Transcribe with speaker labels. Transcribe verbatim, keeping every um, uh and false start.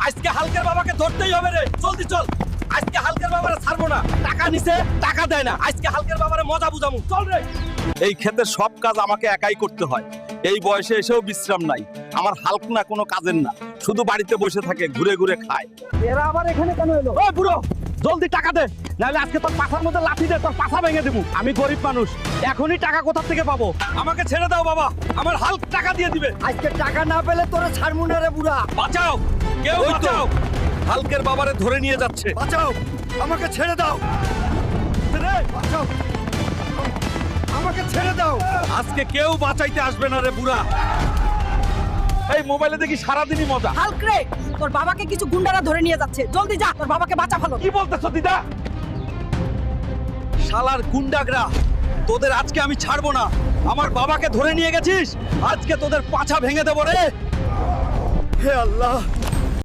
Speaker 1: আজকে হালকের বাবাকে ধরতেই হবে রে, জলদি চল। আজকে হালকের বাবারে ছাড়বো না, টাকা নিছে টাকা দেয় না, আজকে হালকের বাবারে মজা বুঝামু, চল রে। এই ক্ষেতের সব কাজ আমাকে একাই করতে হয়, এই বয়সে এসেও বিশ্রাম নাই। আমার হালক না কোনো কাজের না, শুধু বাড়িতে বসে থাকে, ঘুরে ঘুরে খায়। এরা আবার এখানে কেন এলো? ওই বুড়ো, জলদি টাকা দে, নাহলে আজকে তোর পাছার মধ্যে লাঠি দে তোর পাছা ভেঙে দেবো। আমি গরিব মানুষ, এখনই টাকা কোথা থেকে পাবো? আমাকে ছেড়ে দাও বাবা, আমার হালক টাকা দিয়ে দিবে।
Speaker 2: আজকে টাকা না পেলে তোরে ছাড়মু না রে বুড়া।
Speaker 1: বাঁচাও, কেউ বাঁচাও, হালকের বাবারে ধরে নিয়ে যাচ্ছে।
Speaker 2: বাঁচাও, আমাকে ছেড়ে দাও।
Speaker 1: রে,
Speaker 2: বাঁচাও, আমাকে ছেড়ে দাও।
Speaker 1: আজকে কেউ বাঁচাইতে আসবে না রে বুড়া। এই মোবাইলে দেখি সারাদিনই মজা।
Speaker 3: হাল্ক রে, তোর বাবাকে কিছু গুন্ডারা ধরে নিয়ে যাচ্ছে, জলদি যা, তোর বাবাকে বাঁচা ভালো।
Speaker 1: কি বলতেছো দিদা? শালার গুন্ডাগরা, তোদের আজকে আমি ছাড়বো না। আমার বাবাকে ধরে নিয়ে গেছিস, আজকে তোদের পাছা ভেঙে দেবো রে।
Speaker 2: হে আল্লাহ,